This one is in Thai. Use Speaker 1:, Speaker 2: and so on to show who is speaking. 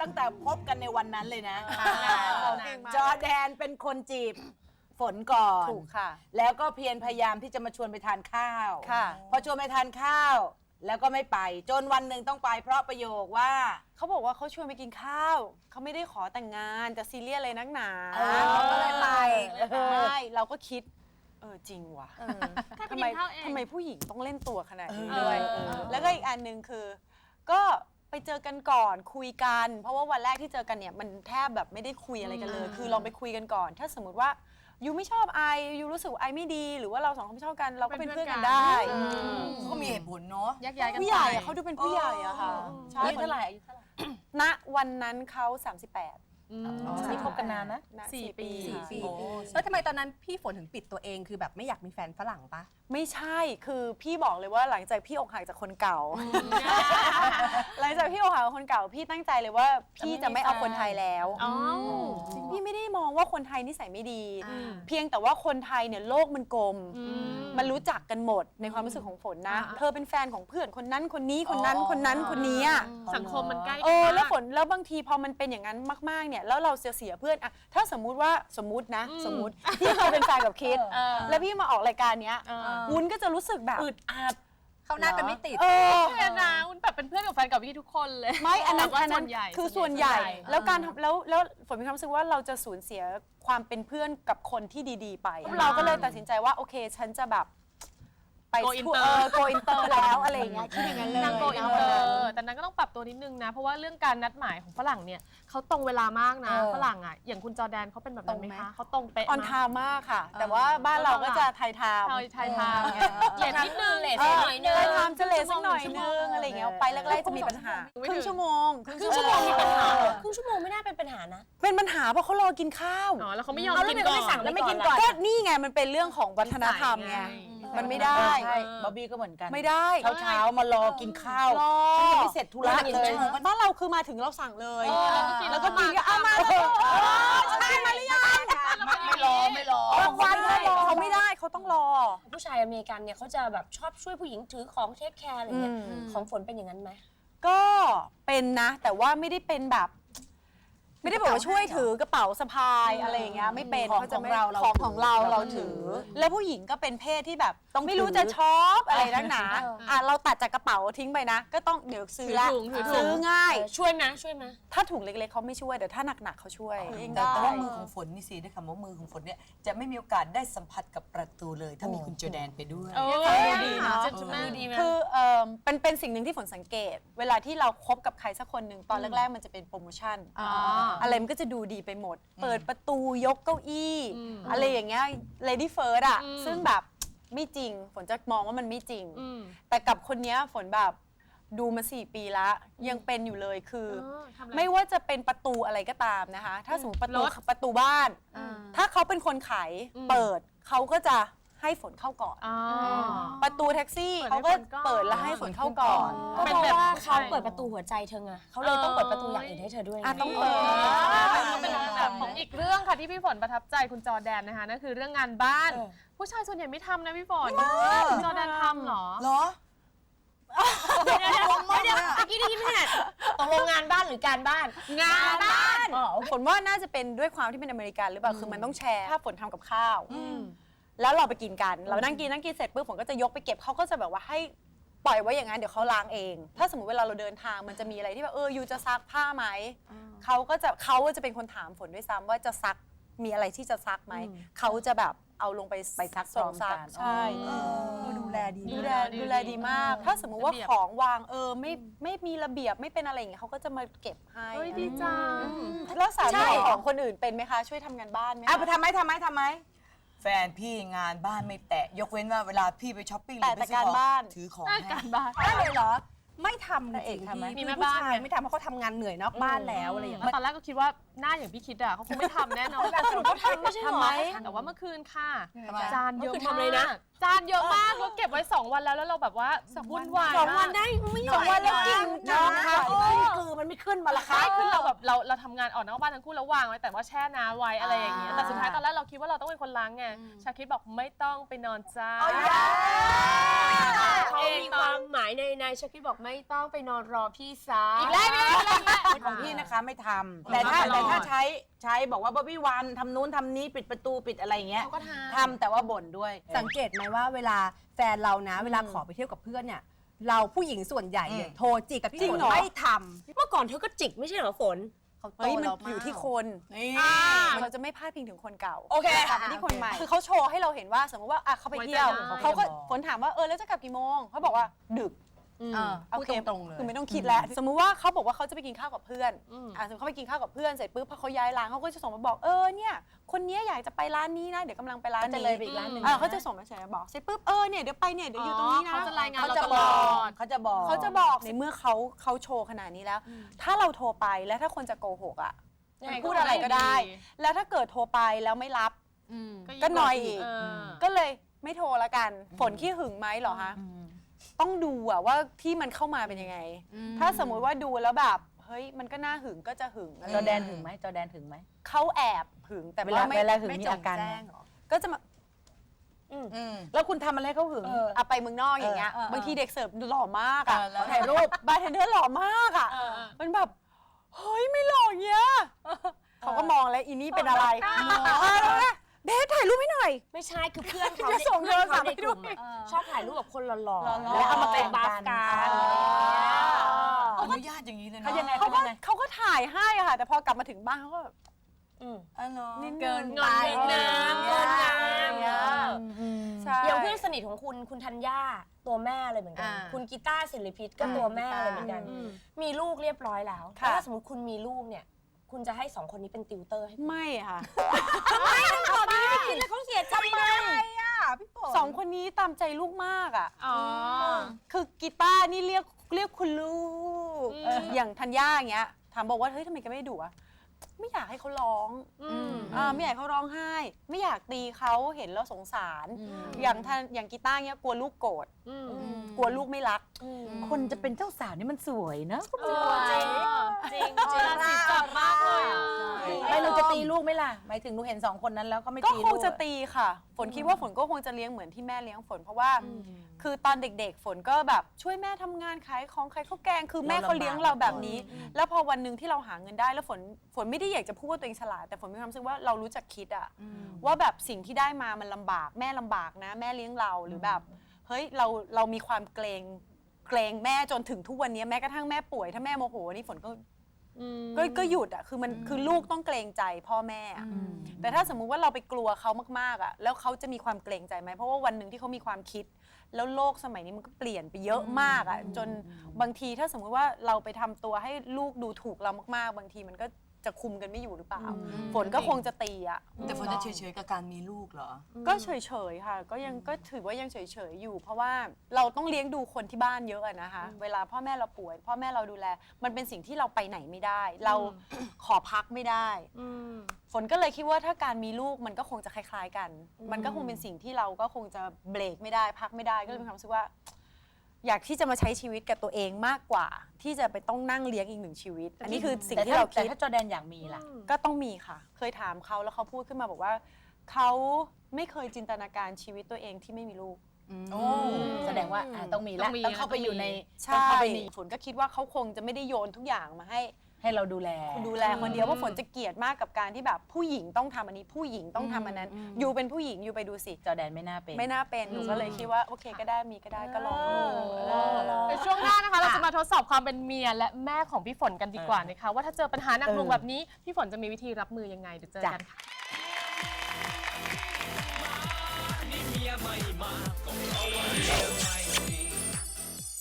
Speaker 1: ตั้งแต่พบกันในวันนั้นเลยนะจอแดนเป็นคนจีบฝนก่อน
Speaker 2: ถูกค่ะ
Speaker 1: แล้วก็เพียรพยายามที่จะมาชวนไปทานข้าว
Speaker 2: ค่ะ
Speaker 1: พอชวนไปทานข้าวแล้วก็ไม่ไปจนวันหนึ่งต้องไปเพราะประโยคว่า
Speaker 2: เขาบอกว่าเขาชวนไปกินข้าวเขาไม่ได้ขอแต่งงานจะซีเรียสอะไรนักหนา
Speaker 1: เขาก็เลยไป
Speaker 2: ไม่เราก็คิดจริงว่ะทำไมผู้หญิงต้องเล่นตัวขนาดนี้ด้วยแล้วก็อีกอันหนึ่งคือก็ไปเจอกันก่อนคุยกันเพราะว่าวันแรกที่เจอกันเนี่ยมันแทบแบบไม่ได้คุยอะไรกันเลยคือลองไปคุยกันก่อนถ้าสมมติว่ายูไม่ชอบไอยูรู้สึกไอไม่ดีหรือว่าเราสองคนไม่ชอบกันเราก็เป็นเพื่อนกันได้
Speaker 1: ก็มีเหตุผลเนาะ
Speaker 2: ผู้ใหญ่เขาดูเป็นผู้ใหญ่อะค่ะ
Speaker 1: อายุเท่าไหร่
Speaker 2: ณวันนั้นเขา38
Speaker 1: นี่คบกันนานนะ
Speaker 2: 4 ปี
Speaker 3: แล้วทำไมตอนนั้นพี่ฝนถึงปิดตัวเองคือแบบไม่อยากมีแฟนฝรั่งปะ
Speaker 2: ไม่ใช่คือพี่บอกเลยว่าหลังจากพี่อกหักจากคนเก่าหลังจากพี่อกหักจากคนเก่าพี่ตั้งใจเลยว่าพี่จะไม่เอาคนไทยแล้วพี่ไม่ได้มองว่าคนไทยนิสัยไม่ดีเพียงแต่ว่าคนไทยเนี่ยโลกมันกลมมันรู้จักกันหมดในความรู้สึกของฝนนะเธอเป็นแฟนของเพื่อนคนนั้นคนนี้คนนั้นคนนั้นคนนี้
Speaker 4: สังคมมันใกล้
Speaker 2: แล้วฝนแล้วบางทีพอมันเป็นอย่างนั้นมากๆเนี่ยแล้วเราเสียเพื่อนอะถ้าสมมุติพี่เคยเป็นแฟนกับคิดแล้วพี่มาออกรายการเนี้ยวุ้นก็จะรู้สึกแบบ
Speaker 1: อึดอัด
Speaker 3: เขาหน้ากันไม่ติด
Speaker 4: เพื่อนนะวุ้นแบบเป็นเพื่อนกับแฟนกับพี่ทุกคนเลย
Speaker 2: ไม่อันนั้นคือส่วนใหญ่แล้วการทำแล้วฝนมีความรู้สึกว่าเราจะสูญเสียความเป็นเพื่อนกับคนที่ดีๆไปเราก็เลยตัดสินใจว่าโอเคฉันจะแบบไปโกอินเตอร์แล้วอะไรอย่างเงี้ยคิดอย่างนั้นเลย
Speaker 4: นางโกอินเตอร์แต่นั้นก็ต้องปรับตัวนิดนึงนะเพราะว่าเรื่องการนัดหมายของฝรั่งเนี่ยเขาตรงเวลามากนะฝรั่งอ่ะอย่างคุณจอแดนเขาเป็นแบบนั้นไหมคะเขาตรงเป๊ะ
Speaker 2: ออนไทม์มากค่ะแต่ว่าบ้านเราก็จะไทยไทม์
Speaker 4: เลทนิดนึง
Speaker 3: เลทหน่อยนึง
Speaker 2: ไทยไทม์จะเลทสักหน่อยนึงอะไรอย่างเงี้ยไปแรกๆจะมีปัญหาครึ่งชั่วโมง
Speaker 3: มีปัญหาครึ่งชั่วโมงไม่น่าเป็นปัญหานะ
Speaker 2: เป็นปัญหาเพราะเขารอกินข้าว
Speaker 4: แล้วเขาไม่ยอมกินก่อน
Speaker 3: แล้วไม่กินก่อน
Speaker 2: ก็นี่ไงมันเป็นเรื่องของวัฒนธรรมไงมันไม่ได้
Speaker 1: บ๊อบบี้ก็เหมือนกัน
Speaker 2: ไม่ได้
Speaker 1: เช้ามารอกินข้าวฉันยังไม่เสร็จธุระเลย
Speaker 2: บ้านเราคือมาถึงเราสั่งเลยแล้วก็กินก็เอามาใช่มาหรือยัง
Speaker 1: ไม่รอบ
Speaker 2: างวันเขาไม่ได้เขาต้องรอ
Speaker 3: ผู้ชายอเมริกันเนี่ยเขาจะแบบชอบช่วยผู้หญิงถือของเทคแคร์อะไรเงี้ยของฝนเป็นอย่างนั้นไหม
Speaker 2: ก็เป็นนะแต่ว่าไม่ได้เป็นแบบไม่ได้บอกว่าช่วยถือกระเป๋าสะพายอะไรอย่างเงี้ยไม่เป็น
Speaker 1: ของ
Speaker 2: เราถือแล้วผู้หญิงก็เป็นเพศที่แบบไม่รู้จะช็อปอะไรนักหนาเราตัดจากกระเป๋าทิ้งไปนะก็ต้องเดี๋ยวซื้อละซื้อง่าย
Speaker 3: ช่วยไหม
Speaker 2: ถ้าถุงเล็กๆเขาไม่ช่วยแต่ถ้าหนักๆเขาช่วย
Speaker 1: แต่ว่ามือของฝนนี่สิได้คำว่ามือของฝนเนี่ยจะไม่มีโอกาสได้สัมผัสกับประตูเลยถ้ามีคุณโจแดนไปด้วย
Speaker 2: ดีเนาะคือเป็นสิ่งหนึ่งที่ฝนสังเกตเวลาที่เราคบกับใครสักคนหนึ่งตอนแรกๆมันจะเป็นโปรโมชั่นอะไรมันก็จะดูดีไปหมดเปิดประตูยกเก้าอี้อะไรอย่างเงี้ย Lady First อ่ะซึ่งแบบไม่จริงฝนจะมองว่ามันไม่จริงแต่กับคนนี้ฝนแบบดูมา4 ปีละยังเป็นอยู่เลยคือไม่ว่าจะเป็นประตูอะไรก็ตามนะคะถ้าสมมติประตูบ้านถ้าเขาเป็นคนขายเปิดเขาก็จะให้ฝนเข้าก่อนประตูแท็กซี่เขาก็เปิดแล้วให้ฝนเข้าก่อน
Speaker 3: ก็เพราะว่าเขาเปิดประตูหัวใจเธอไงเขาเลยต้องเปิดประตูอย่างอื่นให้เธอด้วย
Speaker 2: ต้องเปิด
Speaker 4: เป็นแบบของอีกเรื่องค่ะที่พี่ฝนประทับใจคุณจอแดนนะคะนั่นคือเรื่องงานบ้านผู้ชายส่วนใหญ่ไม่ทำนะพี่ฝนคุณจอแดนทำเหรอ
Speaker 3: เดี๋ยวเมื่อกี้ได้ยินไหมเนี่ยตกลงงานบ้านหรือการบ้าน
Speaker 2: งานบ้านฝนว่าน่าจะเป็นด้วยความที่เป็นอเมริกันหรือเปล่าคือมันต้องแชร์ถ้าฝนทำกับข้าวแล้วเราไปกินกันเรานั่งกินเสร็จปุ๊บฝนก็จะยกไปเก็บเขาก็จะแบบว่าให้ปล่อยไว้อย่างนั้นเดี๋ยวเขาล้างเองถ้าสมมติเวลาเราเดินทางมันจะมีอะไรที่แบบยูจะซักผ้าไหมเขาจะเป็นคนถามฝนด้วยซ้ำว่าจะซักมีอะไรที่จะซักไหมเขาจะแบบเอาลงไปซักพร้อมกันใช่
Speaker 3: ดูแล
Speaker 2: ดีมากถ้าสมมุติว่าของวางไม่มีระเบียบไม่เป็นอะไรอย่างเงี้ยเขาก็จะมาเก็บให้
Speaker 4: ดีจัง
Speaker 2: แล้วสามีของคนอื่นเป็นไหมคะช่วยทำงานบ้านไหม
Speaker 1: ไปทำไหมแฟนพี่งานบ้านไม่แตะยกเว้นว่าเวลาพี่ไปช้อปปิ้งหรือไปซื้อของถือของให้
Speaker 4: การบ้าน
Speaker 3: ได้เลยเหรอไม่ทำจริงๆมีแม่บ้านไม่ทำเพราะเขาทำงานเหนื่อยนอกบ้านแล้วอะไรอย่างเงี้ย
Speaker 4: ตอนแรกก็คิดว่าหน้าอย่างพี่คิดอะเขาคงไม่ทำแน่นอน
Speaker 3: แต่สรุปเขาทำไม่ใช่หรอ
Speaker 4: แต่ว่าเมื่อคืนค่ะจานเยอะมากจานเยอะมากแล้วเก็บไว้2 วันแล้วเราแบบว่าวุ่นวาย
Speaker 3: 2 วันได้ไม่2 วันแล้วกินนะคะคือมันไม่ขึ้นมาละค่ะ
Speaker 4: คือเราแบบเราทำงานออกนอกบ้านทั้งคู่แล้ววางไว้แต่ว่าแช่น้ำไว้อะไรอย่างเงี้ยแต่สุดท้ายตอนแรกเราคิดว่าเราต้องเป็นคนล้างไงชาคิดบอกไม่ต้องไปนอนจ้า
Speaker 3: เขามีความหมายในชาคิดบอกไม่ต้องไปนอนรอพี่ซา
Speaker 4: อีกแล้ว
Speaker 5: ของพี่นะคะไม่ทำแต่ถ้าใช้บอกว่าบ๊อบบี้วันทำนู้นทำนี้ปิดประตูปิดอะไรอย่างเงี้ย
Speaker 4: เขาก็ทำ
Speaker 5: ทำแต่ว่าบ่นด้วย
Speaker 6: สังเกตไหมว่าเวลาแฟนเรานะ เวลาขอไปเที่ยวกับเพื่อนเนี่ยเราผู้หญิงส่วนใหญ่เนี่ยโทรจิกกับพี่
Speaker 2: จริง
Speaker 6: ฝน
Speaker 2: เหรอ
Speaker 6: ไม่ท
Speaker 3: เมื่อก่อนเธอก็จิกไม่ใช่เหรอฝน
Speaker 6: ำเขาโต
Speaker 2: เฮ้ยมัน
Speaker 6: เรา
Speaker 2: อยู่ที่คน
Speaker 1: นี่
Speaker 2: เราจะไม่พลาดพิงถึงคนเก่า
Speaker 1: โอเค
Speaker 2: กลับมาที่คนใหม่คือเขาโชว์ให้เราเห็นว่าสมมติว่าเขาไปเที่ยว
Speaker 4: ไว้ใจได้
Speaker 2: เขาก็ฝนถามว่าแล้วจะกลับกี่โมงเขาบอกว่าดึก
Speaker 6: พูดตรงๆเลย
Speaker 2: คือไม่ต้องคิดแล้ว สมมุติว่าเขาบอกว่าเขาจะไปกินข้าวกับเพื่อนสมมติเขาไปกินข้าวกับเพื่อนเสร็จปุ๊บพอเขาย้ายร้านเขาก็จะส่งมาบอกเนี่ยคนนี้อยากจะไปร้านนี้นะเดี๋ยวกำลังไปร้าน
Speaker 6: ก็จะ
Speaker 2: นี้
Speaker 6: เลยไปอีกร้านหนึ่ง
Speaker 2: เขาจะส่งมาเฉยๆบอกเสร็จปุ๊บเนี่ยเดี๋ยวไปเนี่ยเดี๋ยวอยู่ตรงนี้นะ
Speaker 4: เขาจะรายงาน
Speaker 5: เขา
Speaker 4: เรา
Speaker 5: จะ
Speaker 4: ต
Speaker 5: บ
Speaker 4: ล
Speaker 5: อ
Speaker 4: อก ด
Speaker 5: เขาจะบอก
Speaker 2: เขาจะบอกในเมื่อเขาโชว์ขนาดนี้แล้ว ถ้าเราโทรไปแล้วถ้าคนจะโกหกอ่ะ
Speaker 4: ยังไงก็
Speaker 2: พูดอะไรก็ได้
Speaker 4: ไม่ดี
Speaker 2: แล้วถ้าเกิดโทรไปแล้วไม่รับ ก็นอยอีก ก็เลยไม่โทรละกัน ฝนขี้หึงไหมเหรอคะต้องดูอะว่าที่มันเข้ามาเป็นยังไง ถ้าสมมุติว่าดูแล้วแบบเฮ้ยมันก็น่าหึงก็จะหึง
Speaker 5: จอแดนถึงไหมจอแดนถึงไหม
Speaker 2: เขาแอบหึงแต่
Speaker 5: เวลา
Speaker 2: ไม่
Speaker 5: หึง
Speaker 6: ไม่
Speaker 5: มี
Speaker 6: จ
Speaker 5: อาง การ
Speaker 6: แจ้งเหรอ
Speaker 2: ก็จะมา
Speaker 5: แล้วคุณทำอะไรเขาหึง
Speaker 2: เอาไปเมืองนอกอย่างเงี้ยบางทีเด็กเสิร์ฟหล่อมากอะ
Speaker 1: แล้ว
Speaker 2: ถ่ายรูปบาร์เทนเดอร์หล่อมากอะมันแบบเฮ้ยไม่หล่อเงี้ยเขาก็มองแล้วอีนี่เป็นอะไรเบสถ่ายรูปให้หน่อย
Speaker 3: ไม่ใช่คือเพื่อนเขา
Speaker 2: จะส่งโทรศัพท์
Speaker 3: ใน
Speaker 2: ให้
Speaker 3: ก
Speaker 2: ดู
Speaker 3: ลุ่มอะชอบถ่ายรูปกับคนหล่อๆ
Speaker 2: หล่อๆ
Speaker 3: แล้วเอามาเป็นบัฟกัน
Speaker 1: อนุญาตอย่างนี้เลยนะ
Speaker 5: เขายังไง
Speaker 2: เขาก็ถ่ายให้อะค่ะ แต่พอกลับมาถึงบ้านเขาก็แบบ
Speaker 1: อ๋อเหรอ
Speaker 2: เกิน
Speaker 3: งอนนิดนึงงอนงาม
Speaker 2: ใช่
Speaker 3: อย่างเพื่อนสนิทของคุณธัญญาตัวแม่เลยเหมือนกัน คุณกีตาร์ศิริพิษก็ตัวแม่เลยเหมือนกัน มีลูกเรียบร้อยแล้วแล้วถ้าสมมติคุณมีลูกเนี่ย คุณจะให้สองคนนี้เป็นติวเตอร์ให้
Speaker 2: ไม่ค่ะ
Speaker 3: ตอนนี้ไม่คิดเลยเขาเสียใจเลย
Speaker 2: สองคนนี้ตามใจลูกมากอ่ะ
Speaker 4: อ๋อ
Speaker 2: คือกีตาร์นี่เรียกคุณลูกอย่างธัญญาอย่างเงี้ยถามบอกว่าเฮ้ยทำไมแกไม่ดุอะไม่อยากให้เขาร้องไม่อยากให้เขาร้องไห้ ไม่อยากตีเขาเห็นแล้วสงสาร อย่างกีตาร์เงี้ยกลัวลูกโกรธกลัวลูกไม่รัก
Speaker 5: คนจะเป็นเจ้าสาวนี่มันสวยนะ
Speaker 3: จริง
Speaker 4: ราศีจับมากเลยอะ
Speaker 5: ไม่เราจะตีลูกไหมล่ะหมายถึงหนูเห็นสองคนนั้นแล้วก็ไม่
Speaker 2: ก็
Speaker 5: ตี
Speaker 2: ค
Speaker 5: ลู
Speaker 2: ง
Speaker 5: ก
Speaker 2: จะตีค่ะ ฝนคิดว่าฝนก็คงจะเลี้ยงเหมือนที่แม่เลี้ยงฝนเพราะว่า คือตอนเด็กๆ ฝนก็แบบช่วยแม่ทำงานขายของขายข้าวแกง คือแม่เขาเลี้ยงเราแบบนี้ แล้วพอวันหนึ่งที่เราหาเงินได้แล้วฝนไม่ได้อยากจะพูดว่าตัวเองฉลาดแต่ฝนมีความรู้สึกว่าเรารู้จักคิดอะว่าแบบสิ่งที่ได้มามันลำบากแม่ลำบากนะ แม่เลี้ยงเราหรือแบบเฮ้ยเรามีความเกรงแม่จนถึงทุกวันนี้แม้กระทั่งแม่ป่วยถ้าแม่โมโหนี่ฝนก็หยุดอ่ะคือลูกต้องเกรงใจพ่อแม่อะแต่ถ้าสมมุติว่าเราไปกลัวเขามากๆอ่ะแล้วเขาจะมีความเกรงใจไหมเพราะว่าวันหนึ่งที่เขามีความคิด แล้วโลกสมัยนี้มันก็เปลี่ยนไปเยอะมากอ่ะจนบางทีถ้าสมมุติว่าเราไปทำตัวให้ลูกดูถูกเรามากๆ บางทีมันก็จะคุมกันไม่อยู่หรือเปล่าฝนก็คงจะตีอ่ะ
Speaker 1: แต่ฝนจะเฉยๆกับการมีลูกเหรอ
Speaker 2: ก็เฉยๆค่ะก็ถือว่ายังเฉยๆอยู่ เพราะว่าเราต้องเลี้ยงดูคนที่บ้านเยอะอะนะคะเวลาพ่อแม่เราป่วย พ่อแม่เราดูแล มันเป็นสิ่งที่เราไปไหนไม่ได้ เราขอพักไม่ได้ฝนก็เลยคิดว่าถ้าการมีลูกมันก็คงจะคล้ายๆกัน มันก็คงเป็นสิ่งที่เราก็คงจะเบรกไม่ได้พักไม่ได้ก็เลยมีความรู้สึกว่า อยากที่จะมาใช้ชีวิตกับตัวเองมากกว่า ที่จะไปต้องนั่งเลี้ยงอีกหนึ่งชีวิต อันนี้คือสิ่งที่เรา
Speaker 5: แต่
Speaker 2: คิด
Speaker 5: ถ้าจอแดนอยากมีล่ะ
Speaker 2: ก็ต้องมีค่ะ เคยถามเขาแล้วเขาพูดขึ้นมาบอกว่าเขาไม่เคยจินตนาการชีวิตตัวเองที่ไม่มีลูก
Speaker 5: แสดงว่าต้องมีแล้ว
Speaker 4: ต้องมี
Speaker 5: ต้องเข้าไปอยู่ใน
Speaker 2: ใช่ฝนก็คิดว่าเขาคงจะไม่ได้โยนทุกอย่างมาให้
Speaker 5: ให้เราดูแล
Speaker 2: คนเดียวเพราะฝนจะเกลียดมากกับการที่แบบผู้หญิงต้องทำอันนี้ผู้หญิงต้องทำอันนั้น อยู่เป็นผู้หญิงอยู่ไปดูสิ
Speaker 5: จอแดนไม่น่าเป็น
Speaker 2: ไม่น่าเป็นหนูก็เลยคิดว่าโอเคก็ได้มีก็ได้ก็ลองดู
Speaker 4: ในช่วงหน้านะคะเราจะมาทดสอบความเป็นเมียและแม่ของพี่ฝนกันดีกว่านะคะว่าถ้าเจอปัญหาหนักหน่วงแบบนี้พี่ฝนจะมีวิธีรับมือยังไงเดี๋ยวเจอกันค่ะ